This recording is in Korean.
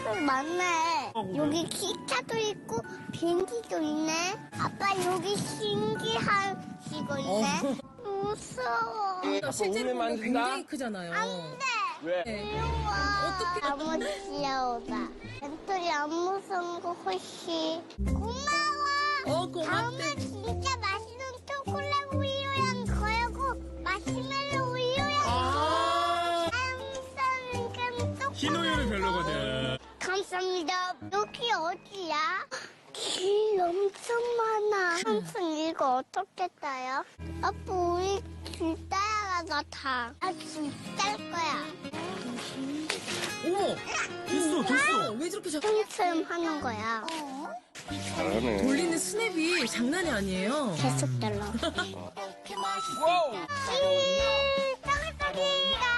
사람들 많네. 여기 기차도 있고 비행기도 있네. 아빠 여기 신기한 시고 있네. 무서워. 실제로 보면 굉장히 크잖아요. 안 돼. 왜? 귀여워. 어떻게- 너무 귀여우다. 멘토리 안 무서운 거 훨씬. 고마워. 고맙대. 다음에 진짜 맛있는 초콜릿 우유랑 거하고 마시멜로 우유랑 감사합니다. 흰 우유는 별로거든. 감사합니다. 여기 어디야? 길 엄청 많아. 삼촌 이거 어떻게 따요? 아빠 우리 길 따라가 다. 나길딸 거야. 어머, 됐어. 왜 저렇게 춤춤 하는 거야. 잘하네. 돌리는 스냅이 장난이 아니에요. 계속 달라. 와우. 떡떡이다.